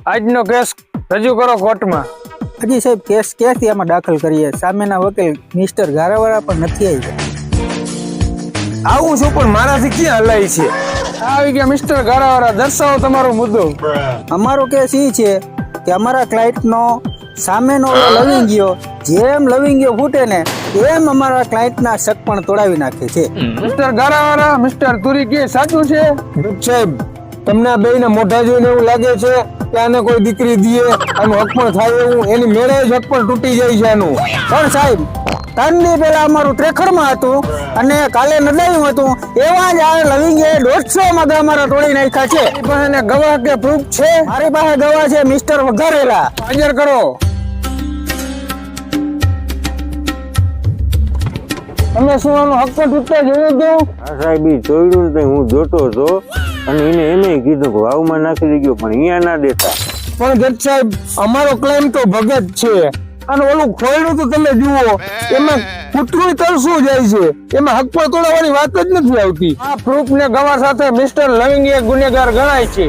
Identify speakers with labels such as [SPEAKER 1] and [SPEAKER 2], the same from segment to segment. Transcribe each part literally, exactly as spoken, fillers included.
[SPEAKER 1] આજનો કેસ રજૂ કરો કોર્ટમાં.
[SPEAKER 2] હજી સાહેબ કેસ ક્યાંથી આમાં દાખલ કરીએ? સામેના વકીલ મિસ્ટર ગારાવાળા પણ નથી આવ્યા.
[SPEAKER 1] આવું છું પણ મારાથી ક્યાં હલાય છે. આવી ગયા મિસ્ટર ગારાવાળા, દર્શાવો તમારો મુદ્દો.
[SPEAKER 2] અમારો કેસ એ છે કે અમારા ક્લાયન્ટનો સામેનો લવિંગિયો જેમ લવિંગિયો ફૂટે ને એમ અમારા ક્લાયન્ટના શક પણ તોડાવી નાખે છે.
[SPEAKER 1] મિસ્ટર ગારાવાળા, મિસ્ટર તુરી કે સાચું છે?
[SPEAKER 3] સાહેબ, તમને આ બેયને મોઢા જોઈને એવું લાગે છે કે આને કોઈ દીકરી દીએ આનું હક પણ થાય એવું, એની મેળે જ હક પણ તૂટી જાય છે આનું.
[SPEAKER 2] પણ સાહેબ, ત્રણ દી પહેલા અમારું ત્રેખડમાં હતું અને કાલે નદાયું હતું, એવા જ આ લવિંગે દોઢસો મગા અમારા તોડી નાખ્યા છે.
[SPEAKER 1] મારી પાસે ગવાહ કે પ્રૂફ છે?
[SPEAKER 2] મારી પાસે ગવાહ છે મિસ્ટર વઘારેલા.
[SPEAKER 1] હાજર કરો. તમે શું આનો હક પણ તૂટતા જોયું હતું?
[SPEAKER 3] આ સાહેબ ઈ જોયું ને હું જોતો હતો અને એને એમ કીધું કે વાવમાં નાખી દેજો, પણ અહીંયા ના દેતા.
[SPEAKER 1] પણ જજ સાહેબ, અમારો ક્લેમ તો ભગત છે. અને ઓલું ખોયડું તો તમે જુઓ, એમાં કૂતરું તરસું જાય છે, એમાં હક પર તોડવાની વાત જ નથી આવતી. આ પ્રૂફ ને ગવાહ સાથે મિસ્ટર લવિંગી એક ગુનેગાર ગણાય છે.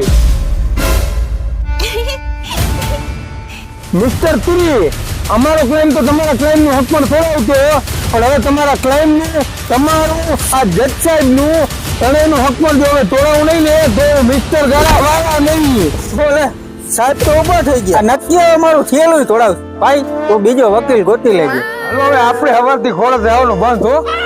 [SPEAKER 1] મિસ્ટર તુરી, અમારો ક્લેમ તો તમારા ક્લેમ નું હક પણ તોડાવતો, પણ હવે તમારા ક્લેમ નું, તમારું આ જજ સાહેબ નું ત્રણેયનું હક પણ જો હવે તોડાવું નહીં ને તો મિસ્ટર ગારાવાળા નહીં બોલે.
[SPEAKER 2] સાહેબ તો ઉભા થઈ ગયા. નક્કી અમારું થયેલું તોડાવ ભાઈ, તો બીજો વકીલ ગોતી લેજો.
[SPEAKER 1] હાલો હવે આપણે હવારથી ખોળે જવાનું બંધ હો.